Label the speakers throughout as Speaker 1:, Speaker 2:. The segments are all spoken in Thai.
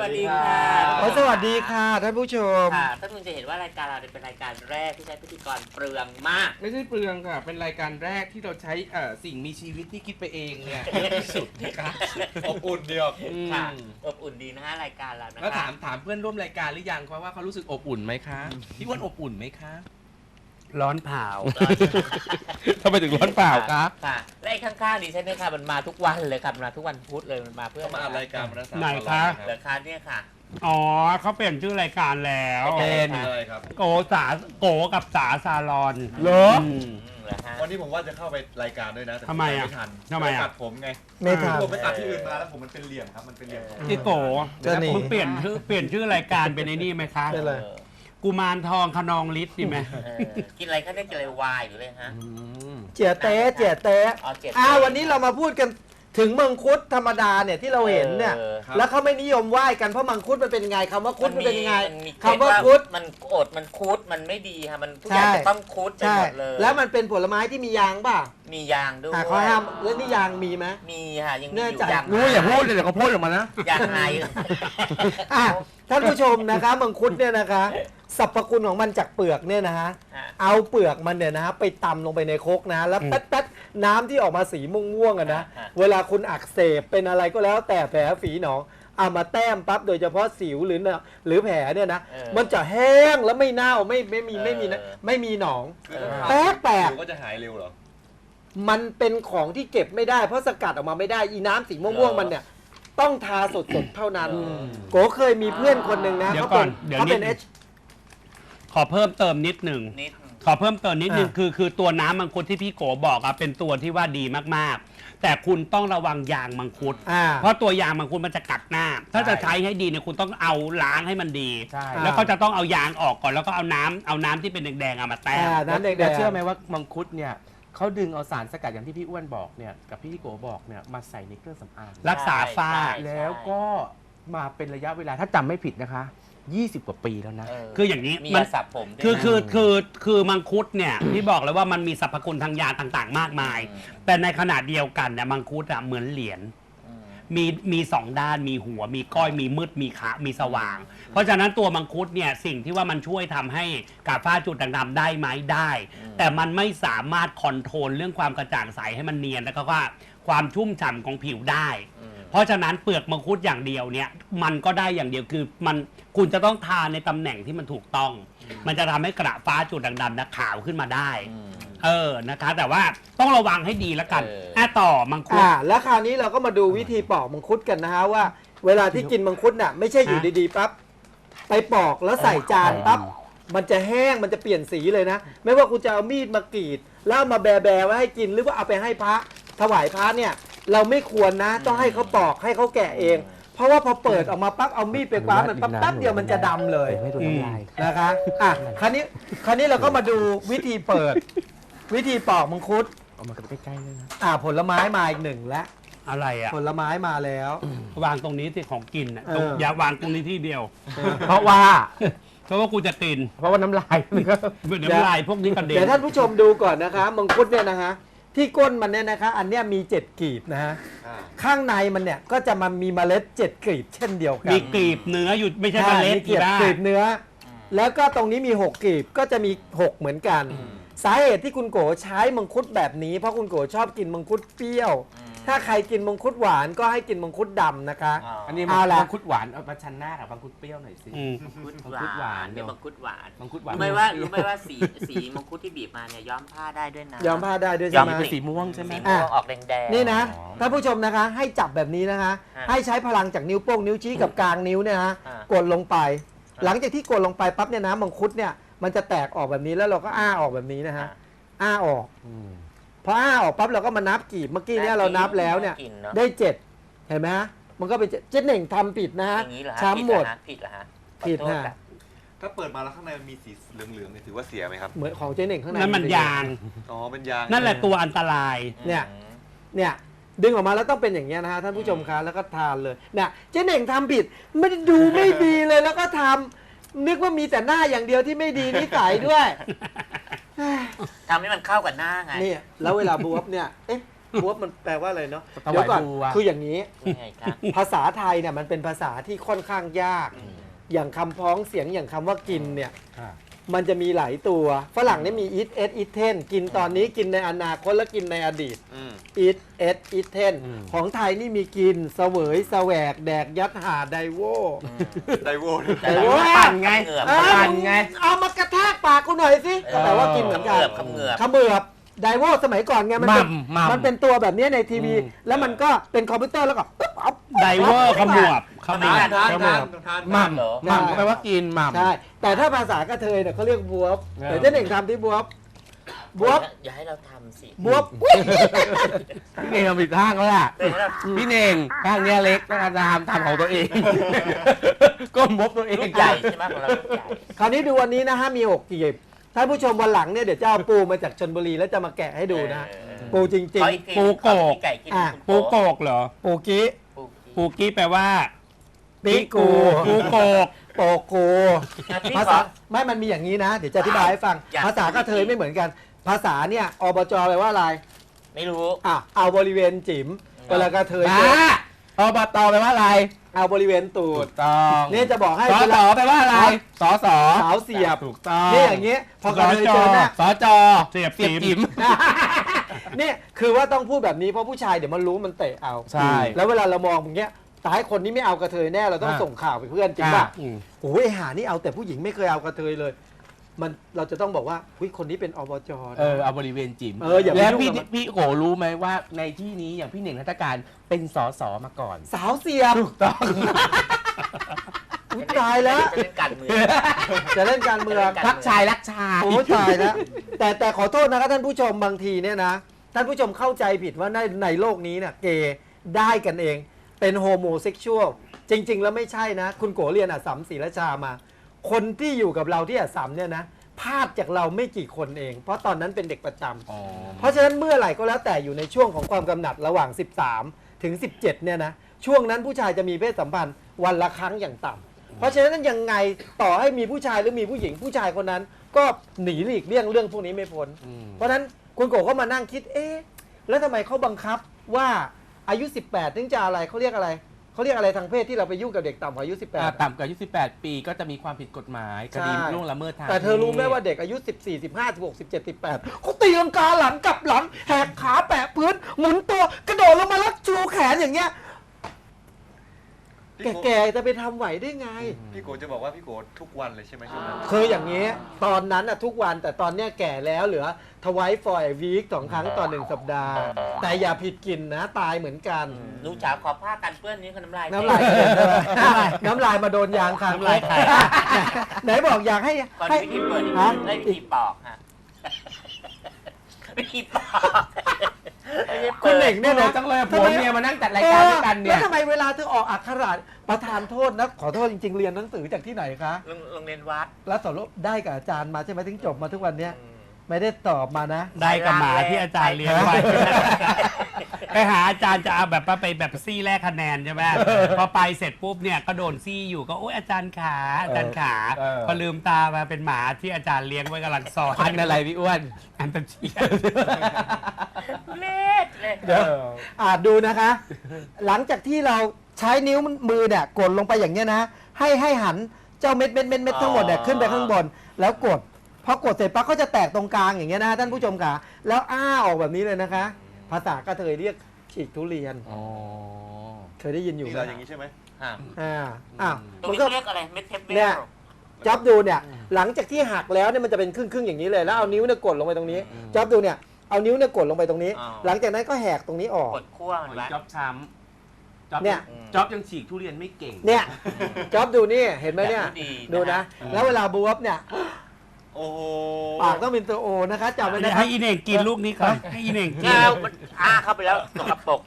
Speaker 1: วัสดีค่ะ
Speaker 2: สวัสดีค่ะท่านผู้ชม
Speaker 1: ค่ะท่านผู้ชมจะเห็นว่ารายการเราเป็นรายการแรกที่ใช้พิธีกรเปลืองมาก
Speaker 3: ไม่ใช่เปลืองค่ะเป็นรายการแรกที่เราใช้สิ่งมีชีวิตที่คิดไปเองเนี่ยที่สุดนะคะ
Speaker 4: อบอุ่นเดียว
Speaker 1: ค่ะอบอุ่นดีนะฮะรายการเรานะคะ
Speaker 3: แล้วถามเพื่อนร่วมรายการหรือยังว่าเขารู้สึกอบอุ่นไหมคะพี่อ้วนอบอุ่นไหมคะ
Speaker 2: ร้อนเผา
Speaker 3: ทำไมถึงร้อนเปล่าคะ
Speaker 1: ค่ะและข้างๆดิฉันเนี่ยค่ะมันมาทุกวันเลยครับมาทุกวันพุธเลยมันมาเพื่อ
Speaker 4: มาอัดรายการมา
Speaker 2: ไหนคะ
Speaker 1: เหลือค่าเนี่ยค่ะ
Speaker 2: อ๋อเขาเปลี่ยนชื่อรายการแล้ว
Speaker 4: เป็นอะไรครับ
Speaker 2: โกกับสาซาลอน
Speaker 3: เหรอ
Speaker 4: วันนี้ผมว่าจะเข้าไปรายการด้วยนะแต่
Speaker 2: ทำไมอ่ะ
Speaker 4: ไม่ทัน
Speaker 2: ทำไม
Speaker 4: ตัดผมไง
Speaker 2: ไม่ทัน
Speaker 4: ผมไปตัดที่อื่นมาแล้วผมมันเป็นเหลี่ยมครับมันเป็นเหลี่ยม
Speaker 2: ที่โกมึงเปลี่ยนชื่อรายการเป็นไอ้นี่ไหมคะ
Speaker 5: เป็นอะไร
Speaker 2: กุมารทองขนองฤทธิ์ดีไหม
Speaker 1: กินอะไรก็ได้กินอะไรวายหรืออะไรฮะ
Speaker 5: เจี๋ยเต๊ะวันนี้เรามาพูดกันถึงมังคุดธรรมดาเนี่ยที่เราเห็นเนี่ยแล้วเขาไม่นิยมไหว้กันเพราะมังคุดมันเป็นยังไงคำว่าคุดมันเป็นยังไงคำว่าคุด
Speaker 1: มันอดมันคุดมันไม่ดีค่ะมันทุกอย่างจะต้องคุดไปหมดเลย
Speaker 5: แล้วมันเป็นผลไม้ที่มียางป่ะ
Speaker 1: มียางด้วย
Speaker 5: เขาห้ามแล้วนี่ยางมีไหม
Speaker 1: มีค่ะยังมีอยู่ยาง
Speaker 3: อย่าพูดเลยเดี๋ยวเขาพูดออกมานะ
Speaker 1: ยางไง
Speaker 5: ท่านผู้ชมนะคะมังคุดเนี่ยนะคะสรรพคุณของมันจากเปลือกเนี่ยนะฮะเอาเปลือกมันเนี่ยนะฮะไปตำลงไปในโคกนะแล้วแป๊ดๆน้ำที่ออกมาสีม่วงๆนะเวลาคุณอักเสบเป็นอะไรก็แล้วแต่แผลฝีหนองเอามาแต้มปั๊บโดยเฉพาะสิวหรือแผลเนี่ยนะมันจะแห้งแล้วไม่เน่าไม่มีหนองแป๊ก
Speaker 4: ก็จะหายเร็วเหรอ
Speaker 5: มันเป็นของที่เก็บไม่ได้เพราะสกัดออกมาไม่ได้อีน้ำสีม่วงๆมันเนี่ยต้องทาสดๆเท่านั้นโกเคยมีเพื่อนคนหนึ่งนะเขาเป็น
Speaker 2: ขอเพิ่มเติมนิดหนึ่งคือตัวน้ำมังคุดที่พี่โกบอกอะเป็นตัวที่ว่าดีมากๆแต่คุณต้องระวังยางมังคุดเพราะตัวยางมังคุดมันจะกัดหน้าถ้าจะใช้ให้ดีเนี่ยคุณต้องเอาล้างให้มันดีแล้วก็จะต้องเอายางออกก่อนแล้วก็เอาน้ำที่เป็นแดงๆเอามาแต้ม
Speaker 3: น้ำแดงๆเชื่อไหมว่ามังคุดเนี่ยเขาดึงเอาสารสกัดอย่างที่พี่อ้วนบอกเนี่ยกับพี่โกบอกเนี่ยมาใส่ในเครื่องสำอาง
Speaker 2: รักษาฝ้า
Speaker 3: แล้วก็มาเป็นระยะเวลาถ้าจำไม่ผิดนะคะ20 กว่าปีแล้วนะ
Speaker 2: คืออย่างนี้
Speaker 1: มันสับผม
Speaker 2: คือมังคุดเนี่ยที่บอกเลยว่ามันมีสรรพคุณทางยาต่างๆมากมายแต่ในขณะเดียวกันเนี่ยมังคุดอะเหมือนเหรียญมีสองด้านมีหัวมีก้อยมีมืดมีขามีสว่างเพราะฉะนั้นตัวมังคุดเนี่ยสิ่งที่ว่ามันช่วยทำให้กาฝ้าจุดด่างๆได้ไหมได้แต่มันไม่สามารถคอนโทรลเรื่องความกระจ่างใสให้มันเนียนแล้วก็ความชุ่มฉ่ำของผิวได้เพราะฉะนั้นเปลือกมังคุดอย่างเดียวเนี่ยมันก็ได้อย่างเดียวคือคุณจะต้องทาในตำแหน่งที่มันถูกต้องมันจะทำให้กระฟ้าจุดด่างๆขาวขึ้นมาได้นะคะแต่ว่าต้องระวังให้ดีแล้วกันต่อมังคุด
Speaker 5: แล้วคราวนี้เราก็มาดูวิธีปอกมังคุดกันนะฮะว่าเวลาที่กินมังคุดน่ะไม่ใช่อยู่ดีๆปั๊บไปปอกแล้วใส่จานปั๊บมันจะแห้งมันจะเปลี่ยนสีเลยนะไม่ว่าคุณจะเอามีดมากรีดแล้วมาแบะไว้ให้กินหรือว่าเอาไปให้พระถวายพระเนี่ยเราไม่ควรนะต้องให้เขาปอกให้เขาแกะเองเพราะว่าพอเปิดออกมาปั๊บเอามีดไปคว้ามันปั๊บแป๊บเดียวมันจะดำเลยนะคะคราวนี้เราก็มาดูวิธีเปิดวิธีปอกมังคุด
Speaker 3: เอามาใกล้ๆเลยนะ
Speaker 5: ผลไม้มาอีกหนึ่งแล้ว
Speaker 2: อะไร
Speaker 5: ผลไม้มาแล้ว
Speaker 2: วางตรงนี้ที่ของกินอย่าวางตรงนี้ที่เดียว
Speaker 3: เพราะว่า
Speaker 2: กูจะกิน
Speaker 3: เพราะว่าน้ำลาย
Speaker 2: น้ำลายพวกนี้กระเด็น
Speaker 5: เดี๋ยวท่านผู้ชมดูก่อนนะคะมังคุดเนี่ยนะคะที่ก้นมันเนี่ยนะคะอันเนี้ยมี7กลีบนะฮะข้างในมันเนี่ยก็จะมามีเมล็ด7กลีบเช่นเดียวกัน
Speaker 2: มีกลีบเนื้ออยู่ไม่ใช่เมล็ด
Speaker 5: กลีบเนื้อแล้วก็ตรงนี้มี6กลีบก็จะมี6เหมือนกันสาเหตุที่คุณโกใช้มังคุดแบบนี้เพราะคุณโกชอบกินมังคุดเปรี้ยวถ้าใครกินมังคุดหวานก็ให้กินมังคุดดำนะคะ
Speaker 3: อันนี้มังคุดหวานเอามาชันหน้ากับมังคุดเปรี้ยวหน่อยสิ
Speaker 1: มังคุดหวานเนี่ยมังคุดหวาน
Speaker 3: รู้
Speaker 1: ไหมว่าสีมังคุดที่บีบมาเนี่ยย้อมผ้าได้ด้วยนะ
Speaker 5: ย้อมผ้าได้ด้วยใช่ไหม
Speaker 3: สีม่วงใช่ไหม
Speaker 1: ออกแดง
Speaker 5: ๆนี่นะท่านผู้ชมนะคะให้จับแบบนี้นะคะให้ใช้พลังจากนิ้วโป้งนิ้วชี้กับกลางนิ้วเนี่ยนะกดลงไปหลังจากที่กดลงไปปั๊บเนี่ยนะมังคุดเนี่ยมันจะแตกออกแบบนี้แล้วเราก็อ้าออกแบบนี้นะฮะอ้าออกพออ้าออกปั๊บเราก็มานับกีบเมื่อกี้เนี่ยเรานับแล้วเนี่ยได้7เห็นไหมฮะมันก็เป็นเจ๊หนึ่งทำผิดนะฮะช้ำหมด
Speaker 1: ผิดเหรอฮะ
Speaker 5: ผิดฮะ
Speaker 4: ถ้าเปิดมาแล้วข้างในมันมีสีเหลืองๆเนี่ยถือว่าเสียไหมครับ
Speaker 5: เหมือนของเจ๊หนึ่งข้างใน
Speaker 2: นั่นมันยาง
Speaker 4: เป็นยาง
Speaker 2: นั่นแหละตัวอันตราย
Speaker 5: เนี่ยดึงออกมาแล้วต้องเป็นอย่างเงี้ยนะฮะท่านผู้ชมคะแล้วก็ทานเลยเนี่ยเจ๊หนึ่งทำผิดไม่ได้ดูไม่ดีเลยแล้วก็ทำนึกว่ามีแต่หน้าอย่างเดียวที่ไม่ดีนิสัยด้วย
Speaker 1: ทำให้มันเข้ากับหน้าไง
Speaker 5: นี่แล้วเวลาบวบเนี่ยบวบมันแปลว่าอะไรเนาะ
Speaker 3: ถวาย
Speaker 5: เดี๋ยวก่อน
Speaker 3: บัว
Speaker 5: คืออย่างนี้
Speaker 1: ยังไงคะ
Speaker 5: ภาษาไทยเนี่ยมันเป็นภาษาที่ค่อนข้างยาก อย่างคำพ้องเสียงอย่างคำว่ากินเนี่ยมันจะมีหลายตัวฝรั่งเนี่ยมี eat eat ten กินตอนนี้กินในอนาคตและกินในอดีต eat eat ten ของไทยนี่มีกินเสวยแสวกแดกยัดหาไดโว
Speaker 4: ไดโว
Speaker 5: ไดโว
Speaker 2: ปั่นไง
Speaker 1: เหงือบ
Speaker 2: ปั่นไง
Speaker 5: เอามากระแทกปากกูหน่อยสิก็แปลว่ากินเหมือนกัน
Speaker 1: คำเหงือบ
Speaker 5: ขมือบไดโวสมัยก่อนไงมันเป็น
Speaker 3: มัม
Speaker 5: มันเป็นตัวแบบนี้ในทีวี แล้วมันก็เป็นคอมพิวเตอร์แล้วก็ปึ๊บเอา
Speaker 2: ไดเวอร์ขมวบขมวบ
Speaker 3: หม่ำ
Speaker 1: เหรอ
Speaker 3: หม่ำแปลว่ากินหม่ำ
Speaker 5: ใช่ แต่ถ้าภาษากระเทยเนี่ยเขาเรียกบวบแต่เจ้าหนึ่งทำที่บวบบวบ
Speaker 1: อย่าให้เราทำสิ
Speaker 5: บวบ
Speaker 3: พี่เน่งทำผิดข้างแล้วล่ะ
Speaker 1: เดี๋ยวให้เรา
Speaker 3: พี่เน่งข้างเนี้ยเล็กต้องทำของตัวเอง ก้มบตัวเอง
Speaker 1: ลูกใหญ่ใช่ไหมของเราลูกใหญ่
Speaker 5: คราวนี้ดูวันนี้นะฮะมี6กีบท่านผู้ชมวันหลังเนี่ยเดี๋ยวจะเอาปูมาจากชนบุรีแล้วจะมาแกะให้ดูนะ ปูจริง
Speaker 1: ขออีที
Speaker 2: ปูโกก
Speaker 1: ไก่กิน
Speaker 5: อ่ะ
Speaker 2: ปูโกกเหรอ
Speaker 5: ๆ ปูกี้
Speaker 2: ปูกี้แปลว่า
Speaker 5: ปิกู
Speaker 2: ปูโกก
Speaker 5: โปโก
Speaker 1: พี่
Speaker 5: ภา
Speaker 1: ข
Speaker 5: ษา
Speaker 1: อ
Speaker 5: ไม่มันมีอย่างนี้นะ เดี๋ยวจะอธิบายให้ฟัง
Speaker 1: อยาก
Speaker 5: ภาษากระเทยไม่เหมือนกัน ภาษาเนี่ยอบจแปลว่าอะไร
Speaker 1: ไม่รู้
Speaker 5: อ่ะเอาบริเวณจิ๋มเวลากระเทย
Speaker 3: บ้าอบตแปลว่าอะไร
Speaker 5: เอาบริเวณตู
Speaker 3: ถู
Speaker 5: ด
Speaker 3: กต้อง
Speaker 5: นี่จะบอกให้
Speaker 3: ส
Speaker 5: เว
Speaker 3: ส
Speaker 5: ลา
Speaker 3: แปลว่าอะไรสส
Speaker 5: สาวเสียบ
Speaker 3: ถูกต้อง
Speaker 5: นี่อย่างเงี้ยพอกระเทยเจอหน้า
Speaker 3: สจ
Speaker 2: เสียบ
Speaker 3: จิ๋ม
Speaker 5: เนี่ยคือว่าต้องพูดแบบนี้เพราะผู้ชายเดี๋ยวมันรู้มันเตะเอา
Speaker 3: ใช่
Speaker 5: แล้วเวลาเรามองอย่างเงี้ยตายคนนี้ไม่เอากระเทยแน่เราต้อง
Speaker 3: อ่ะ
Speaker 5: ส่งข่าวไปเพื่อนจริงป่ะ
Speaker 3: อืม
Speaker 5: โอ้ยหานี่เอาแต่ผู้หญิงไม่เคยเอากระเทยเลย มันเราจะต้องบอกว่าหุ้ยคนนี้เป็นอบจนะ
Speaker 3: เอาบริเวณจิ๋ม
Speaker 5: อย่าไป
Speaker 3: แล้ว
Speaker 5: ยุ่งกับมัน
Speaker 3: พี่โกรู้ไหมว่าในที่นี้อย่างพี่เน่งนัฐการเป็นสสมาก่อน
Speaker 5: สาวเสียบ
Speaker 3: ถูกต้อง
Speaker 5: อุ๊ยตายแล้ว
Speaker 1: จะเล่นการเมือง
Speaker 5: จะเล่นการเมือง
Speaker 3: รักชายรักชาย
Speaker 5: โอ้ยตายแล้วแต่ขอโทษนะครับท่านผู้ชมบางทีเนี่ยนะท่านผู้ชมเข้าใจผิดว่าในโลกนี้เนี่ยเกย์ได้กันเองเป็นโฮโมเซ็กชวลจริง ๆ แล้วไม่ใช่นะ คุณโกเรียนอัสสัมศรีราชามา คนที่อยู่กับเราที่อัสสัมเนี่ยนะพลาดจากเราไม่กี่คนเอง เพราะตอนนั้นเป็นเด็กประจำเพราะฉะนั้นเมื่อไหร่ก็แล้วแต่อยู่ในช่วงของความกำหนัดระหว่าง 13 ถึง 17เนี่ยนะช่วงนั้นผู้ชายจะมีเพศสัมพันธ์วันละครั้งอย่างต่ำเพราะฉะนั้นยังไงต่อให้มีผู้ชายหรือมีผู้หญิงผู้ชายคนนั้น ก็หนีหลีกเลี่ยงเรื่องพวกนี้ไม่พ้น เพราะฉะนั้นคุณโกก็มานั่งคิดแล้วทำไมเขาบังคับว่าอายุ 18 ถึงจะอะไรเขาเรียกอะไรเขาเรียกอะไรทางเพศที่เราไปยุ่งกับเด็กต่ำกว่าอายุ 18
Speaker 3: ต่ำกว่าอายุ18 ปีก็จะมีความผิดกฎหมายคดีล่วงละเมิดทาง
Speaker 5: แต่เธอรู้ไหมว่าเด็กอายุ 14 15 16 17 18เขาตีลังกาหลังกลับหลังแหกขาแปะพื้นหมุนตัวกระโดดลงมาแล้วชูแขนอย่างเงี้ยแก่ๆจะไปทำไหวได้ไง
Speaker 4: พี่โกจะบอกว่าพี่โกทุกวันเลยใช่ไหมช่วงนั้น
Speaker 5: คืออย่างนี้ตอนนั้นอะทุกวันแต่ตอนเนี้ยแก่แล้วเหลือทวายฟอยวีค2 ครั้งต่อ 1 สัปดาห์ แต่อย่าผิดกินนะตายเหมือนกัน
Speaker 1: ลูกจ๋าขอผ้ากันเปื้อนนี้คือน้ำลาย
Speaker 5: น้ำลายน้ำลายมาโดนยางคาง
Speaker 2: น้ำลายใคร
Speaker 5: ไหนบอกอยากให้
Speaker 1: ก่อน
Speaker 5: ให้
Speaker 1: วิธีเปิด
Speaker 5: ฮะ
Speaker 1: ได้วิธีปอกฮะวิธีปอกไม่ใช่
Speaker 5: คุณเหน่ง
Speaker 3: เนี่
Speaker 5: เนี่ย ย
Speaker 3: นะ
Speaker 5: นะ
Speaker 3: จังเลยผัวเมียมานั่งจัดรายการด้วยกันเนี่
Speaker 5: แล้
Speaker 3: ย
Speaker 5: วทำไมเวลาเธอออกอักขระประธานโทษนะขอโทษจริงๆเรียนหนังสือจากที่ไหนคะ
Speaker 1: โรงเรียนวัด
Speaker 5: แล้วสรุปได้กับอาจารย์มาใช่ไหมถึงจบมาทุกวันเนี้ยไม่ได้ตอบมานะ
Speaker 2: ได้กับหมาที่อาจารย์เลี้ยงไว้ ไปหาอาจารย์จะเอาแบบว่าไปแบบซี่แลกคะแนนใช่ไหมพอไปเสร็จปุ๊บเนี่ยก็โดนซี่อยู่ก็โอ้ยอาจารย์ขาอาจารย์ขาพอลืมตามาเป็นหมาที่อาจารย์เลี้ยงไว้กำลังสอน
Speaker 3: พันอะไรพี่อ้วน
Speaker 2: อันเป็นเชีย
Speaker 1: เล็ดเลย
Speaker 5: เดี๋ยวดูนะคะ หลังจากที่เราใช้นิ้วมือเนี่ยกดลงไปอย่างเงี้ยนะให้หันเจ้าเม็ดทั้งหมดเนี่ยขึ้นไปข้างบน แล้วกดพอกดเสร็จปั๊บก็จะแตกตรงกลางอย่างเงี้ยนะท่านผู้ชมค่ะแล้วออกแบบนี้เลยนะคะ ภาษากระเทยเรียกฉีกทุเรียนเคยได้ยินอยู่
Speaker 4: นี่
Speaker 5: ไหม
Speaker 4: เราอย่างนี้ใช่ไหม
Speaker 1: ตรง
Speaker 5: มัน
Speaker 1: นี้
Speaker 5: ก็
Speaker 1: เขาเรียกอะไรเม็ดเทปเว
Speaker 5: เนี่ย
Speaker 1: ล
Speaker 5: จ๊อบดูเนี่ยหลังจากที่หักแล้วเนี่ยมันจะเป็นครึ่งอย่างนี้เลยแล้วเอานิ้วเนี่ยกดลงไปตรงนี้จ๊อบดูเนี่ยเอานิ้วเนี่ยกดลงไปตรงนี้ หลังจากนั้นก็แหกตรงนี้ออก
Speaker 1: กดขั้วมันไว้
Speaker 3: จ๊อบช้ำ
Speaker 5: เนี่ย
Speaker 3: จ๊อบยังฉีกทุเรียนไม่เก่ง
Speaker 5: เนี่ยจ๊อบดูนี่เห็นไหมเนี่ย
Speaker 1: แบบนี้ดี
Speaker 5: ดูนะ แล้วเวลาบวบเนี่ย
Speaker 4: โอ้โห
Speaker 5: ปากต้องเป็นตัวโอนะคะจำไว้นะครั
Speaker 2: ให้
Speaker 5: บ
Speaker 2: อีเน่งกินลูกนี้ก่อนให้อีเน่งกิน
Speaker 1: เงามันเข้าไปแล้วสกปรก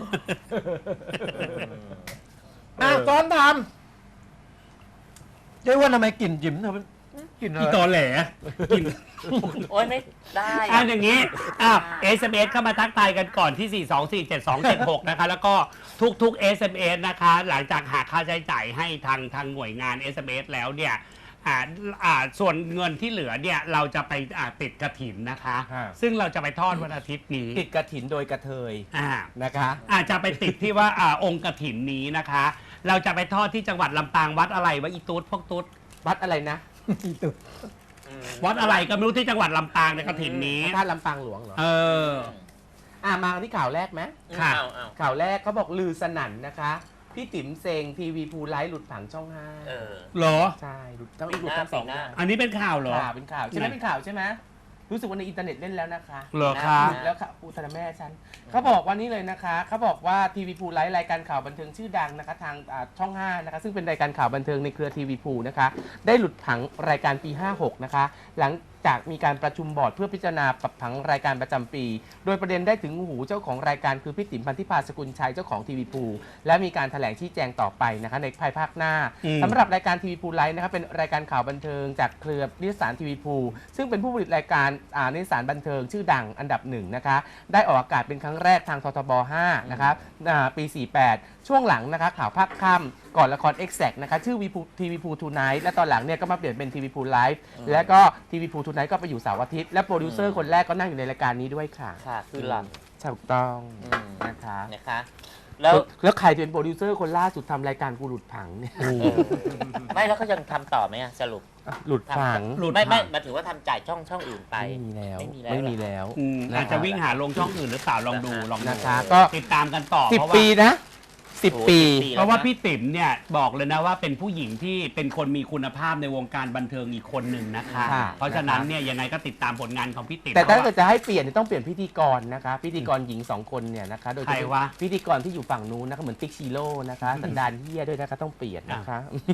Speaker 5: ซ้อนทำเจ๊ว่าทำไมกลิ่นจิ๋มเธอเป็นกลิ่นอะ
Speaker 2: อี
Speaker 5: ไร
Speaker 2: ตอแหลกิน
Speaker 1: โอ้ยไม่ได้
Speaker 2: อย่างนี้SMS เข้ามาทักทายกันก่อนที่ 4247276 นะคะ แล้วก็ทุกๆ SMS นะคะ หลังจากหักค่าใช้จ่ายให้ทางหน่วยงาน SMS แล้วเนี่ยส่วนเงินที่เหลือเนี่ยเราจะไปติดกฐินนะคะ ซึ่งเราจะไปทอดวันอาทิตย์นี้
Speaker 3: ติดกฐินโดยกระเทย
Speaker 2: อ่า
Speaker 3: นะคะ
Speaker 2: อาจจะไปติดที่ว่าองค์กฐินนี้นะคะ เราจะไปทอดที่จังหวัดลำปางวัดอะไรวะอีตูดพวกตูด
Speaker 3: วัดอะไรนะ
Speaker 2: วัดอะไรก็ไม่รู้ที่จังหวัดลำปางในกฐินนี้
Speaker 3: พระธาตุลำปางหลวงเหรอ
Speaker 2: เออ
Speaker 3: มาที่ข่าวแรกไหม
Speaker 2: ค่ะ
Speaker 1: เอา
Speaker 3: ข่าวแรกเขาบอกลือสนั่นนะคะพี่ติ๋มเซงทีวีภูไลฟ์หลุดผังช่อง
Speaker 1: เออ
Speaker 2: เหรอ
Speaker 3: 5ใช่หลุดทั้งสอง
Speaker 1: ปีหน้า
Speaker 2: อันนี้เป็นข่าวเหรอ
Speaker 3: ข่าวเป็นข่าวใช่ไหมเป็นข่าวใช่ไหมรู้สึกว่าในอินเทอร์เน็ตเล่นแล้วนะคะ
Speaker 2: เหรอคะ
Speaker 3: หลุดแล้วค่ะอุตส่าห์แม่ฉันเขาบอกว่านี่เลยนะคะเขาบอกว่าทีวีภูไลฟ์รายการข่าวบันเทิงชื่อดังนะคะทางช่อง5นะคะซึ่งเป็นรายการข่าวบันเทิงในเครือทีวีภูนะคะได้หลุดผังรายการปี56นะคะหลังจากมีการประชุมบอร์ดเพื่อพิจารณาปรับผังรายการประจำปี โดยประเด็นได้ถึงหูเจ้าของรายการคือพี่ติ๋มพันธิพาสกุลชัยเจ้าของทีวีภูและมีการแถลงชี้แจงต่อไปนะคะในภายภาคหน้า สำหรับรายการทีวีภูไลฟ์นะครับเป็นรายการข่าวบันเทิงจากเครือนิตยสารทีวีภูซึ่งเป็นผู้ผลิตรายการนิตยสารบันเทิงชื่อดังอันดับหนึ่งนะคะได้ออกอากาศเป็นครั้งแรกทางททบ 5 นะครับปี 48 ช่วงหลังนะคะข่าวภาคค่ำก่อนละคร Exact นะคะชื่อทีวีภูทูไนท์และตอนหลังเนี่ยก็มาเปลี่ยนเป็นทีวีภูไลฟ์และก็ทีวีภูทูไนท์ก็ไปอยู่เสาร์อาทิตย์และโปรดิวเซอร์คนแรกก็นั่งอยู่ในรายการนี้ด้วยค่ะ
Speaker 1: ค่ะคือหลัง
Speaker 3: ถูกต้อง
Speaker 1: อืม
Speaker 3: นะคะ
Speaker 1: นะคะ แล้ว
Speaker 3: แล้วใครจะเป็นโปรดิวเซอร์คนล่าสุดทำรายการกูหลุดผังเนี่ย
Speaker 1: ไม่แล้วเขายังทำต่อไหมอะสรุป
Speaker 3: หลุดผัง
Speaker 2: หลุด
Speaker 1: ไม่
Speaker 2: ผัง
Speaker 1: หมายถึงว่าทำจ่ายช่องอื่นไป
Speaker 3: ไม่มีแล้ว
Speaker 1: ไม่มีแล้ว
Speaker 3: น
Speaker 2: อาจจะวิ่งหาลงช่องอื่นหรือเปล่าลองดูลองดู
Speaker 3: นะคะก็
Speaker 2: ติดตามกันต่อ
Speaker 3: สิบ
Speaker 2: เพราะว่า
Speaker 3: ปีนะ 10 ปี
Speaker 2: เพราะว่าพี่ติ๋มเนี่ยบอกเลยนะว่าเป็นผู้หญิงที่เป็นคนมีคุณภาพในวงการบันเทิงอีกคนหนึ่งนะคะ
Speaker 3: ค่ะ
Speaker 2: เพราะฉะนั้นเนี่ยยังไงก็ติดตามผลงานของพี่ติ๋ม
Speaker 3: แต่ถ้า
Speaker 2: เพ
Speaker 3: เกิ
Speaker 2: ราะ
Speaker 3: ดจะให้เปลี่ยนเนี่ยต้องเปลี่ยนพิธีกรนะคะ พิธีกรหญิง 2 คนเนี่ยนะคะโดย
Speaker 2: ใครวะ
Speaker 3: พิธีกรที่อยู่ฝั่งนู้นนะคะเหมือนติ๊กชิโร่นะคะสันดานเฮียด้วยนะคะต้องเปลี่ยนนะคะ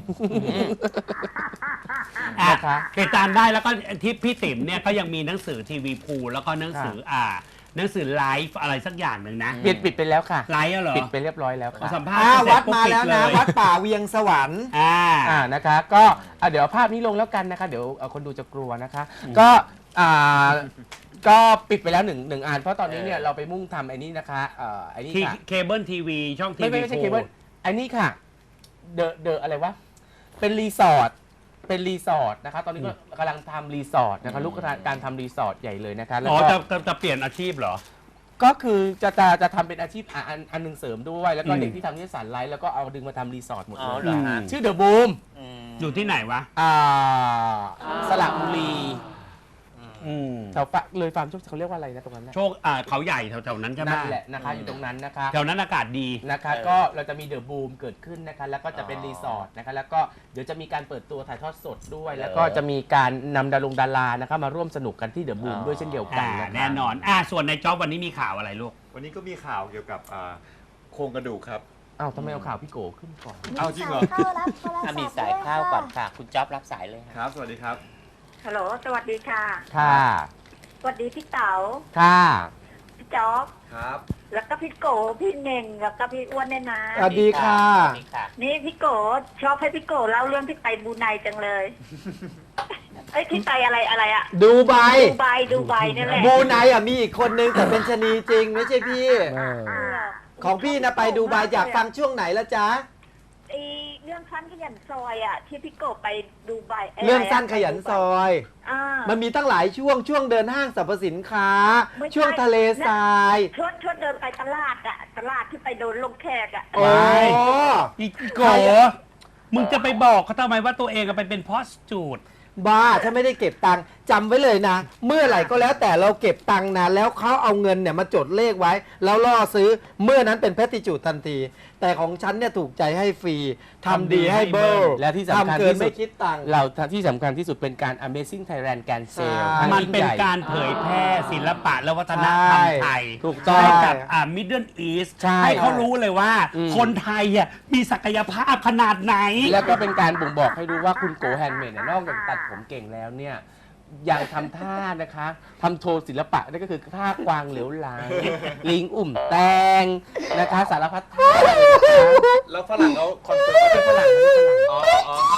Speaker 2: อ่ะ
Speaker 3: นะคะ
Speaker 2: ติดตามได้แล้วก็ที่พี่ติ๋มเนี่ยก็ยังมีหนังสือทีวีพูแล้วก็หนังสือหนังสือไลฟ์อะไรสักอย่างหนึ่งนะ
Speaker 3: เปลี่ยนปิดไปแล้วค่ะ
Speaker 2: ไลฟ์เหรอ
Speaker 3: ปิดไปเรียบร้อยแล้วค่ะ
Speaker 2: สัมภาษณ์เสร็จ
Speaker 5: วัด
Speaker 2: ปุ๊บ
Speaker 5: มา
Speaker 2: ปิ
Speaker 5: แล้วนะ
Speaker 2: เย
Speaker 5: วัดป่าเวียงสวรรค์
Speaker 3: นะคะก็เดี๋ยวภาพนี้ลงแล้วกันนะคะ เดี๋ยวคนดูจะกลัวนะคะ ก็ก็ปิดไปแล้วหนึ่งอันเพราะตอนนี้เนี่ยเราไปมุ่งทำไอ้นี่นะคะไอ้นี่
Speaker 2: ที่
Speaker 3: ค่ะ
Speaker 2: เคเบิลทีวีช่องทีวี
Speaker 3: ไม่ใช่เคเบิลไอ้นี่ค่ะเดอะอะไรวะเป็นรีสอร์ทนะคะตอนนี้ก็กำลังทำรีสอร์ทนะคะลูกการทำรีสอร์ทใหญ่เลยนะคะแล้ว
Speaker 2: อ๋อ
Speaker 3: ก็
Speaker 2: จะเปลี่ยนอาชีพเหรอ
Speaker 3: ก็คือจะทำเป็นอาชีพอันหนึ่งเสริมด้วยแล้วก็
Speaker 2: อืม
Speaker 3: เด็กที่ทำนิสสันไลฟ์แล้วก็เอาดึงมาทำรีสอร์ทหมด
Speaker 1: อ๋อ
Speaker 3: เลย
Speaker 1: เหรอฮะ
Speaker 3: ชื่อเดอะบูม
Speaker 1: อืม
Speaker 2: อยู่ที่ไหนวะ
Speaker 3: สระบุรี
Speaker 2: อืม
Speaker 3: แถวเลยฟาร์มโชคเขาเรียกว่าอะไรนะตรงนั้นนะ
Speaker 2: โชคเขาใหญ่แถวๆนั้นใช่ไหม
Speaker 3: นั่นแหละนะคะอยู่ตรงนั้นนะคะ
Speaker 2: แถวนั้นอากาศดี
Speaker 3: นะคะก็เราจะมีเดอะบูมเกิดขึ้นนะคะแล้วก็จะเป็นรีสอร์ทนะคะแล้วก็เดี๋ยวจะมีการเปิดตัวถ่ายทอดสดด้วย แล้วก็จะมีการนำดารานะคะมาร่วมสนุกกันที่เดอะบูมด้วยเช่นเดียวกันนะคะ
Speaker 2: แน่นอนส่วนในจ็อบวันนี้มีข่าวอะไรลูก
Speaker 4: วันนี้ก็มีข่าวเกี่ยวกับโครงกระดูกครับ
Speaker 3: อ้าวทำไมเอาข่าวพี่โกขึ้นก่อน
Speaker 4: เอาจริงเหรอ
Speaker 6: เข้ารับโทรศัพท์
Speaker 1: มีสายเข้าก่อนค่ะ คุณจ๊อบรับสายเลย
Speaker 4: ค
Speaker 1: ค่ะ
Speaker 4: รับ สวัสดีครับ
Speaker 6: ฮัลโหล สวัสดีค่ะ
Speaker 3: ค่ะ
Speaker 6: สวัสดีพี่เต๋า
Speaker 3: ค่ะ
Speaker 6: พี่จ๊อบ
Speaker 4: ครับ
Speaker 6: แล้วก็พี่โก พี่เน่ง แล้วก็พี่อ้วนเนี่ยนะ
Speaker 5: สวัสดีค่ะ
Speaker 1: สวัสดีค่ะ
Speaker 6: นี่พี่โกชอบให้พี่โกเล่าเรื่องที่ไปบรูไนจังเลย เอ้ยที่ไปอะไรอะ
Speaker 5: ดูไบ
Speaker 6: ดูไบนี่แหละ
Speaker 5: บูไนมีอีกคนนึงแต่เป็นชะนีจริงไม่ใช่พี่
Speaker 6: เออ
Speaker 5: ของพี่นะไปดูไบอยากฟังช่วงไหนละจ๊ะ
Speaker 6: ไอเรื่องสั้นขยันซอยอะที่พี่โกไปดูไบ
Speaker 5: เรื่องสั้นขยันซอย
Speaker 6: อ่า
Speaker 5: มันมีตั้งหลายช่วงเดินห้างสรรพสินค้า
Speaker 6: ไม่ใช่
Speaker 5: ช่วงทะเลทราย
Speaker 6: ช่วงเดินไปตลาดอะตลาดที่ไปโดนลงแขกอะ
Speaker 5: โอ้
Speaker 2: อีกโกมึงจะไปบอกเขาทำไมว่าตัวเองไปเป็นพอสจูด
Speaker 5: บ้าถ้าไม่ได้เก็บตังค์จำไว้เลยนะ เมื่อไหร่ก็แล้วแต่เราเก็บตังค์นะแล้วเขาเอาเงินเนี่ยมาจดเลขไว้ แล้วล่อซื้อเมื่อนั้นเป็นแพทติจูดทันที แต่ของฉันเนี่ยถูกใจให้ฟรีทำดีให้เบิล
Speaker 3: และที่สำคัญ
Speaker 5: ทำเกิน
Speaker 3: ที่สุ
Speaker 5: ไม่
Speaker 3: ด
Speaker 5: คิดตังค์
Speaker 3: เราที่สำคัญที่สุดเป็นการ Amazing Thailand การเซล
Speaker 5: ใช่
Speaker 2: มันเป็นการเผยแพร่ศิลปะและวัฒนธรรมไทย
Speaker 3: ถูกต้อง
Speaker 2: ให้กับมิดเดิลอีส
Speaker 3: ใช่
Speaker 2: ให้เขารู้เลยว่า
Speaker 3: อืม
Speaker 2: คนไทยมีศักยภาพขนาดไหน
Speaker 3: แล้วก็เป็นการบ่งบอกให้รู้ว่าคุณโกแฮนด์เมดเนี่ยนอกจากตัดผมเก่งแล้วเนี่ยยังทำท่านะคะทำโชว์ศิลปะนั่นก็คือท่ากวางเหลวไหลลิงอุ่มแตงนะคะสารพัดท่า
Speaker 4: แล้วฝรั่งเขาคอนเฟิร์มว่าเป็นฝรั่งอ๋อ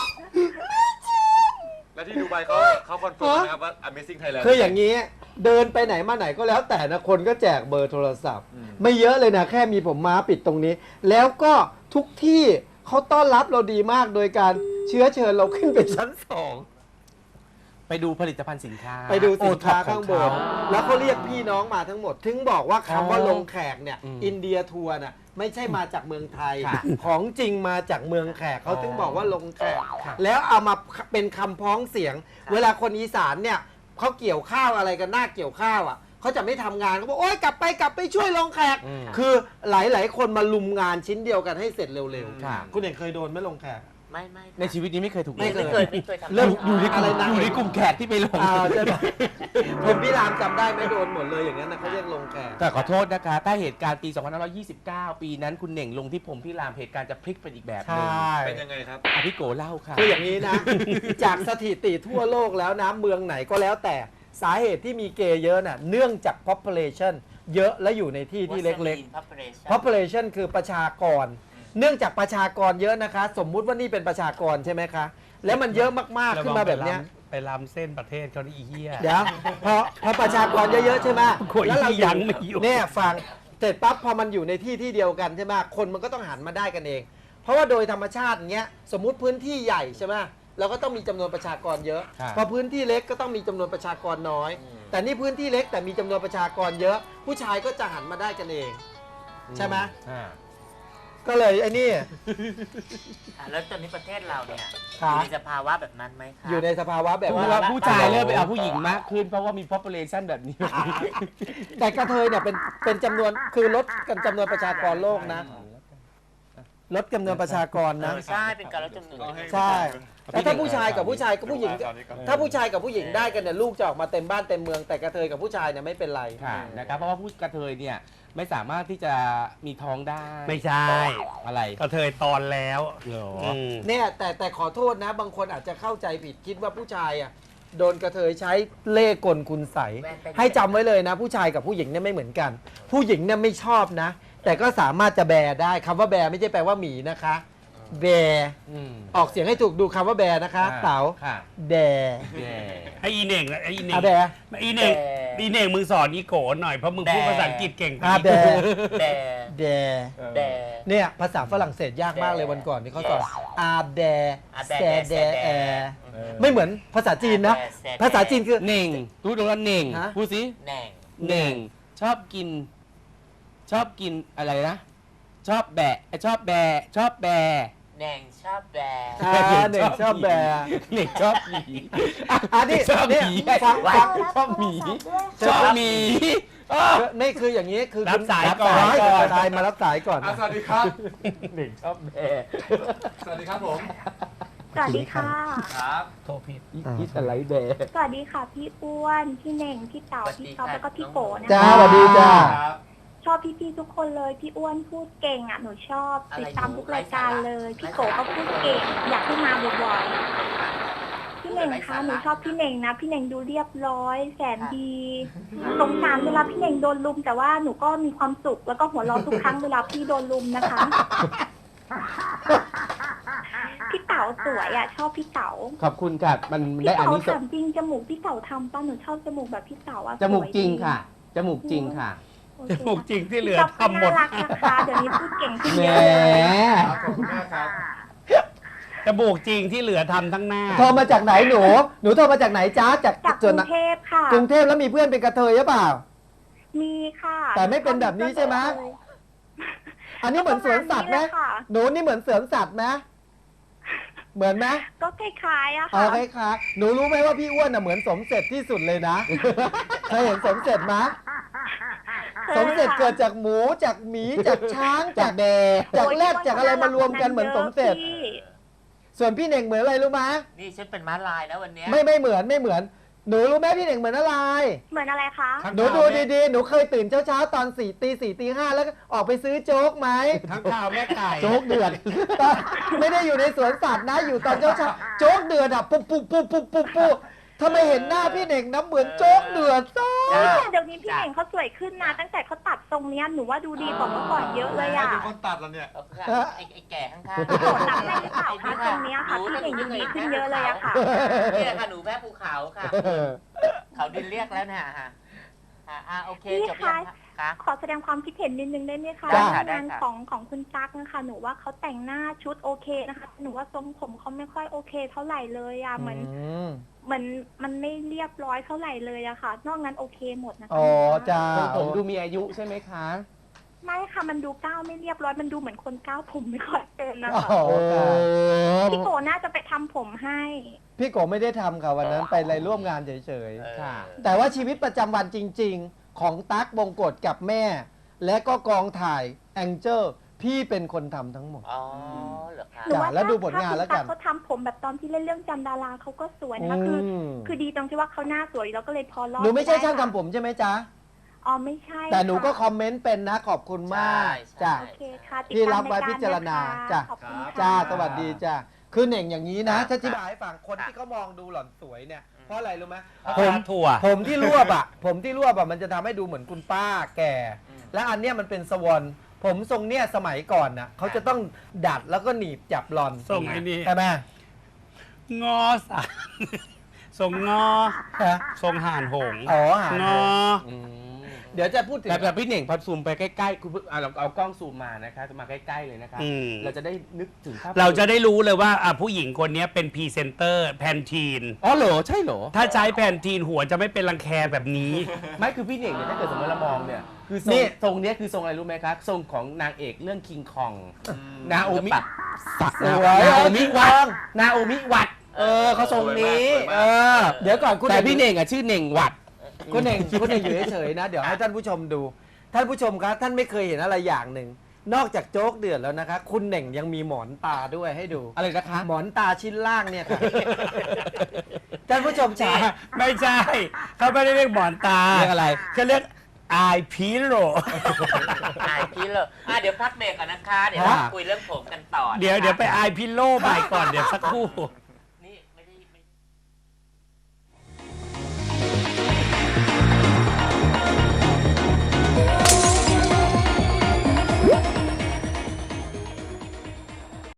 Speaker 4: แล้วที่ดูไบเขาคอนเฟิร์มนะครับว่า Amazing Thailand
Speaker 5: คืออย่างนี้เดินไปไหนมาไหนก็แล้วแต่นะคนก็แจกเบอร์โทรศัพท์ ไม่เยอะเลยนะแค่มีผมม้าปิดตรงนี้ แล้วก็ทุกที่เขาต้อนรับเราดีมากโดยการเชื้อเชิญเราขึ้นไปชั้น 2
Speaker 3: ไปดูผลิตภัณฑ์สินค้า
Speaker 5: ไปดูสินค้า
Speaker 3: โอท็อป
Speaker 5: ข้างบ
Speaker 3: ข
Speaker 5: น
Speaker 3: เข
Speaker 5: แล้วเขาเรียกพี่น้องมาทั้งหมด ถึงบอกว่าคำว่า
Speaker 3: อ๋อ
Speaker 5: ลงแขกเนี่ย
Speaker 3: อืม
Speaker 5: อินเดียทัวร์น่ะไม่ใช่มาจากเมืองไทย
Speaker 3: ค่ะ
Speaker 5: ของจริงมาจากเมืองแขกเขาถึงบอกว่าลงแขก
Speaker 3: ค่ะ
Speaker 5: แล้วเอามาเป็นคำพ้องเสียง เวลาคนอีสานเนี่ยเขาเกี่ยวข้าวอะไรกันหน้าเกี่ยวข้าวอ่ะเขาจะไม่ทำงานเขาบอกโอ๊ยกลับไปช่วยลงแขก
Speaker 3: อืม
Speaker 5: คือหลายๆ คนมาลุมงานชิ้นเดียวกันให้เสร็จเร็ว
Speaker 3: ค่ะ
Speaker 5: ๆคุณเองเคยโดนไหม่ลงแขก
Speaker 1: ไม่
Speaker 3: ในชีวิตนี้ไม่เคยถูก
Speaker 5: ไม่
Speaker 1: ไม่เคยทำ
Speaker 5: เริ่ม
Speaker 3: อยู่ในก
Speaker 5: อะไร
Speaker 3: ลุ่ม
Speaker 5: นะ
Speaker 3: อยู่ในกลุ่มแขกที่ไปลง
Speaker 5: ใช่ไหมผมพี่รามจำได้ไหม่โดนหมดเลยอย่างนั้นนะเขาเรียกลงแขก
Speaker 3: แต่ขอโทษนะคะ ถ้าเหตุการณ์ปี 2529 ปีนั้นคุณเหน่งลงที่ผมพี่รามเหตุการณ์จะพลิกเป็นอีกแบบหนึง
Speaker 4: เป็นยังไงครับ
Speaker 3: อ่ะพี่โกเล่าค่ะ
Speaker 5: คืออย่างนี้นะ จากสถิติทั่วโลกแล้วนะเมืองไหนก็แล้วแต่สาเหตุที่มีเกย์เยอะน่ะเนื่องจาก population เยอะและอยู่ในที่ที่เล็กๆ population คือประชากร เนื่องจากประชากรเยอะนะคะ สมมุติว่านี่เป็นประชากรใช่ไหมคะ แล้วมันเยอะมากๆขึ้นมาแบบเนี้ย
Speaker 2: ไปลำเส้นประเทศเขาได้อีเหี้ย
Speaker 5: เดี๋ยวพอประชากรเยอะๆใช่ไหม
Speaker 2: โอ้ย
Speaker 5: แล้วเรา
Speaker 2: ยังไม่อยู่
Speaker 5: เนี่ยฟังเสร็จปั๊บพอมันอยู่ในที่ที่เดียวกันใช่ไหมคนมันก็ต้องหันมาได้กันเอง เพราะว่าโดยธรรมชาติอย่างเงี้ยสมมุติพื้นที่ใหญ่ใช่ไหมเราก็ต้องมีจำนวนประชากรเยอะ
Speaker 3: ครับ
Speaker 5: พอพื้นที่เล็กก็ต้องมีจำนวนประชากรน้อย แต่นี่พื้นที่เล็กแต่มีจำนวนประชากรเยอะ ผู้ชายก็จะหันมาได้กันเอง ใช่ไหม
Speaker 3: อ่า
Speaker 5: ก็เลยไอ้นี่
Speaker 1: แล้วตอนนี้ประเทศเราเนี่ย
Speaker 5: ครั
Speaker 1: อบ ยู่ในสภาวะแบบนั้นไหมคะ
Speaker 5: อยู่ในสภาวะแบบ
Speaker 3: เพราะ
Speaker 5: ว่า
Speaker 3: ว่าผู้ชายเริ่มไปเอาผู้หญิงมากขึ้น เพราะว่ามี population แบบนี้
Speaker 5: แต่กระเทยเนี่ยเป็นจำนวนคือลดกันจำนวนประชากรโลกนะลดจำนวนประชากรนะ
Speaker 1: ใช่เป็นการลดจำนวน
Speaker 5: ใช่แล้วถ้าผู้ชายกับผู้ชายกับผู้หญิง
Speaker 4: ตอนนี้ก่อน
Speaker 5: ถ้าผู้ชายกับผู้หญิงได้กันเนี่ยลูกจะออกมาเต็มบ้านเต็มเมืองแต่กระเทยกับผู้ชายเนี่ยไม่เป็นไร
Speaker 3: ค่ะนะครับเพราะว่าผู้กระเทยเนี่ยไม่สามารถที่จะมีท้องได้
Speaker 2: ไม่ใช่
Speaker 3: อะไร
Speaker 2: กระเทยตอนแล้ว
Speaker 3: เหรอ
Speaker 2: ม
Speaker 5: เนี่ยแต่ขอโทษนะ บางคนอาจจะเข้าใจผิดคิดว่าผู้ชายอ่ะโดนกระเทยใช้เล่ห์กลคุณใสยให้จำไว้เลยนะ ผู้ชายกับผู้หญิงเนี่ยไม่เหมือนกัน ผู้หญิงเนี่ยไม่ชอบนะ แต่ก็สามารถจะแบได้คำว่าแบไม่ใช่แปลว่าหมีนะคะ แบ
Speaker 3: อืม
Speaker 5: ออกเสียงให้ถูกดูคำว่าแบนะคะ เต๋า
Speaker 3: ค่ะ
Speaker 5: แบ
Speaker 3: แย่
Speaker 2: ไอ้อีเหน่งไอ้อีเหน่ง
Speaker 5: อาแบ
Speaker 2: อีเหน่งอีเหน่งมึงสอนอีโกหน่อยเพราะมึงพูดภาษาอังกฤษเก่งกว่า
Speaker 5: อาแบ
Speaker 1: แต่
Speaker 5: แบ
Speaker 1: แต่
Speaker 5: เนี่ยภาษาฝรั่งเศสยากมากเลยวันก่อนที่เขาสอนอาแบแซแดแอไม่เหมือนภาษาจีนนะ ภาษาจีนคือ
Speaker 3: เหน่งพูดตรงนั้นเหน่ง
Speaker 5: ฮะ
Speaker 3: พูดสิ
Speaker 1: แหน่ง
Speaker 3: เหน่งชอบกินอะไรนะ ชอบแบะชอบแบะชอบแบะ
Speaker 1: แหน่งชอบแบ
Speaker 5: หนึ่งชอบแบ
Speaker 3: เหน่งชอบหมี
Speaker 5: อันนี้
Speaker 3: ชอบหมี
Speaker 5: เนี่ยฟัง
Speaker 3: ชอบหมีชอบหมีอ้อ
Speaker 5: นี่คืออย่างนี้คือ
Speaker 2: รับสายก่อน
Speaker 5: รับสายมารับสายก่อน
Speaker 4: สวัสดีครับ
Speaker 3: เหน่งชอบแบะ
Speaker 4: สวัสดีครับผม
Speaker 6: สวัสดีค่ะ
Speaker 4: ครับ
Speaker 2: โทษผิด
Speaker 3: คิดอะไรแบะ
Speaker 6: สวัสดีค่ะพี่อ้วน พี่เน่ง พี่เต๋า พี่ท็อปแล้วก็พี่โกนะ
Speaker 5: จ้า
Speaker 6: คะ
Speaker 5: สวัสดีจ้า
Speaker 4: ครับ
Speaker 6: ชอบพี่ๆทุกคนเลย พี่อ้วนพูดเก่งอ่ะ หนูชอบติดตามทุกรายการเลย พี่โกก็พูดเก่ง อยากให้มาบ่อยๆ พี่เน่งคะหนูชอบพี่เน่งนะ พี่เน่งดูเรียบร้อย แสนดีสงสารเวลาพี่เน่งโดนลุม แต่ว่าหนูก็มีความสุขแล้วก็หัวเราะทุกครั้งเวลาพี่โดนลุมนะคะ พี่เต๋าสวยอ่ะ ชอบพี่เต๋า
Speaker 3: ขอบคุณค่ะมัน
Speaker 6: พี่
Speaker 3: ได้อัน
Speaker 6: เต๋า
Speaker 3: นี้
Speaker 6: ถามจริงจมูกพี่เต๋าทำป่ะหนูชอบจมูกแบบพี่เต๋าอ่ะ
Speaker 3: จมูก
Speaker 6: สวย
Speaker 3: จริง
Speaker 6: ดี
Speaker 3: ค่ะ จมูกจริงค่ะ
Speaker 6: โอ
Speaker 2: จ
Speaker 6: เค
Speaker 2: มูกจริงที่เหลือ
Speaker 6: พี่จ๊อบก็
Speaker 2: ทำหมด
Speaker 6: น่ารักนะคะเดี๋ยวนี้พูดเก่งขึ้น
Speaker 3: แหม
Speaker 6: เยอะเลย
Speaker 4: ครับขอบคุณมากครับ
Speaker 2: จมูกจริงที่เหลือทำทั้งหน้า
Speaker 5: โทรมาจากไหนหนูโทรมาจากไหนจ้าจาก
Speaker 6: จากก
Speaker 5: ส่ว
Speaker 6: รุ
Speaker 5: น
Speaker 6: งเทพค่ะ
Speaker 5: กรุงเทพแล้วมีเพื่อนเป็นกระเทยหรือเปล่า
Speaker 6: มีค่ะ
Speaker 5: แต่ไม่เป็นแบบนี้ใช่ไหม อันนี้เหมือนสวนสัตว์ไหม
Speaker 6: ค่ะ
Speaker 5: หนูนี่เหมือนสวนสัตว์ไหมเหมือนไหม
Speaker 6: ก็คล้ายๆอะ
Speaker 5: อ๋อ
Speaker 6: ค่ะ
Speaker 5: คล้ายๆหนูรู้ไหมว่าพี่อ้วนน่ะเหมือนสมเสร็จที่สุดเลยนะ เคยเห็นสมเสร็จไหมสมเสร็จเกิดจากหมูจากหมีจากช้างจากแดจากแรดจากอะไรมารวมกันเหมือนสมเสร็จ
Speaker 6: พี่
Speaker 5: ส่วนพี่เน่งเหมือนอะไรรู้ไหม
Speaker 1: นี่ฉันเป็นม้าลายนะวันเนี้ย
Speaker 5: ไม่เหมือนหนูรู้ไหมพี่เน่งเหมือนอะไร
Speaker 6: เหมือนอะไรคะ
Speaker 5: หนูดูดีๆหนูเคยตื่นเช้าๆตอน4 ตี 4 ตี 5แล้วก็ออกไปซื้อโจ๊กไหม
Speaker 2: ทั้งข่าวแม่ไก่
Speaker 5: โจ๊กเดือด ไม่ได้อยู่ในสวนสัตว์นะอยู่ตอนเช้าๆโจ๊กเดือดอ่ะปุ๊บถ้าไม่เห็นหน้าพี่เน่งนะเหมือนโจ๊กเดือดซะ
Speaker 6: เดี๋ยวนี้พี่เน่งเขาสวยขึ้นนะตั้งแต่เขาตัดทรงเนี้ยหนูว่าดูดีกว่าเมื่อก่อนเยอะเลยอะ
Speaker 4: เป็นคนตัดแล้วเนี่ย
Speaker 1: เอาค่ะไอ้แก่ข้างๆ
Speaker 6: พี่โกตัดให้หรือเปล่าคะตรงเนี้ยค่ะพี่เน่งดูดีขึ้นเยอะเลยอะค่ะ
Speaker 1: นี่แหละค่ะหนูแพ้ภูเขาค่ะ เขาดินเรียกแล้วเนี่ยฮะค่ะโอเค
Speaker 6: พี่
Speaker 1: จบ
Speaker 6: คะ
Speaker 1: ยังคะ
Speaker 6: ขอแสดงความคิดเห็นนิดนึงได้ไหมคะ
Speaker 1: ได้ค่ะ
Speaker 6: งาน
Speaker 1: ได้ค่ะ
Speaker 6: ของคุณตั๊กนะคะหนูว่าเขาแต่งหน้าชุดโอเคนะคะหนูว่าทรงผมเขาไม่ค่อยโอเคเท่าไหร่เลยอะเหมือนมันไม่เรียบร้อยเท่าไหร่เลยอะค่ะ นอกนั้นโอเคหมดนะคะ
Speaker 5: อ๋อจ้า
Speaker 3: ผมดูมีอายุใช่ไหมคะ
Speaker 6: ไม่ค่ะมันดูก้าวไม่เรียบร้อยมันดูเหมือนคนก้าวผมไม่ค่อยเป็นนะ
Speaker 5: อ๋
Speaker 6: คะ
Speaker 5: อค่ะ
Speaker 6: พี่โกน่าจะไปทำผมให้
Speaker 5: พี่โกไม่ได้ทำค่ะวันนั้นไปอะไรร่วมงานเฉย
Speaker 3: ค่ะ
Speaker 5: ๆ แต่ว่าชีวิตประจำวันจริง ๆ ของตั๊กบงกฎกับแม่ และก็กองถ่ายแองเจิลพี่เป็นคนทำทั้งหมด
Speaker 1: อ๋อเหรอคะ
Speaker 6: หนูว่า
Speaker 5: แล้วดูผลงานแล้วกัน
Speaker 6: ถ้าคุณตั๊กเขาทำผมแบบตอนที่เล่นเรื่องจันดาราเขาก็สวยนะคะคือดีตรงที่ว่าเขาหน้าสวยแล้วก็เลยพอรอด
Speaker 5: หนูไม่ใช่ช่าง
Speaker 6: ด้
Speaker 5: ทำผมใช่ไหมจ๊ะ
Speaker 6: อ๋อไม่ใช่
Speaker 5: แต่หนูก็
Speaker 6: ค่ะ
Speaker 5: คอมเมนต์เป็นนะขอบคุณมากจ้ะ
Speaker 6: โอเคค่ะติด
Speaker 5: พี่
Speaker 6: ตาม
Speaker 5: รับไว้
Speaker 6: ยก
Speaker 5: พิจารณา
Speaker 6: นะคะ
Speaker 5: จ้ะ
Speaker 6: ขอบคุณค่ะ
Speaker 5: จ้าสวัสดีจ้าคือเหน่งอย่างนี้นะ
Speaker 1: ครับ
Speaker 5: ถ้าอธิบายให้ฟังคนที่เขามองดูหล่อนสวยเนี่ยเพราะอะไรรู้ไหม
Speaker 2: ผม ถั่ว
Speaker 5: ผมที่รวบอ่ะ ผมที่รวบอ่ะมันจะทำให้ดูเหมือนคุณป้าแก่ และอันเนี้ยมันเป็นสวอนผมทรงเนี้ยสมัยก่อนน่ะเขาจะต้องดัดแล้วก็หนีบจับหลอน
Speaker 2: ทรงไอ้นี่
Speaker 5: ใช่ไหม
Speaker 2: งอสารทรงงอ
Speaker 5: ฮะ
Speaker 2: ทรงห่านหง
Speaker 5: อ๋อหาง
Speaker 2: อ
Speaker 5: เดี๋ยวจะพูดถึง
Speaker 3: แต่พี่เหน่งพอซูมไปใกล้ๆคุณเราเอากล้องซูมมานะคะจะมาใกล้ๆเลยนะคะ
Speaker 2: อืม
Speaker 3: เราจะได้นึกถึงภาพ
Speaker 2: เราจะได้รู้เลยว่าผู้หญิงคนนี้เป็นพรีเซนเตอร์แพนทีน
Speaker 3: อ๋อเหรอใช่เหรอ
Speaker 2: ถ้าใช้แพนทีนหัวจะไม่เป็นรังแคแบบนี้
Speaker 3: ไม่คือพี่เหน่งเนี่ยถ้าเกิดสมมติเรามองเนี่ยคือทรง
Speaker 5: นี่
Speaker 3: ทรงเนี้ยคือทรงอะไรรู้ไหมครับทรงของนางเอกเรื่องคิงคองนาโอมิ
Speaker 5: สวย
Speaker 3: นาโอมิวัด
Speaker 5: ถูกต้อง
Speaker 3: นาโอมิวัดเขาทรงนี้
Speaker 4: สวยมาก
Speaker 5: เออเดี๋ยวก่อนคุณ
Speaker 3: แต่พี่เหน่งอ่ะชื่อเหน่งวัด
Speaker 5: คุณเองคุณเองอยู่เฉยๆนะ เดี๋ยวให้ท่านผู้ชมดู ท่านผู้ชมครับท่านไม่เคยเห็นอะไรอย่างหนึ่ง นอกจากโจ๊กเดือดแล้วนะคะ คุณเหน่งยังมีหมอนตาด้วยให้ดู
Speaker 3: อะไรนะคะ
Speaker 5: หมอนตาชิ้นล่างเนี่ยค่ะ ท่านผู้ชมจ๋า
Speaker 2: ไม่ใช่ เขาไม่ได้เรียกหมอนตา
Speaker 3: เรียกอะไร
Speaker 2: เขาเรียกอายพีโร
Speaker 1: พี่เลยเดี๋ยวพักเบรกก่อนนะคะ เดี๋ยว
Speaker 5: ฮะ
Speaker 1: เราคุยเรื่องผมกันต่อนะคะ
Speaker 2: เดี๋ยวไปอายพิโลใหม่ก่อนเดี๋ยวสักครู่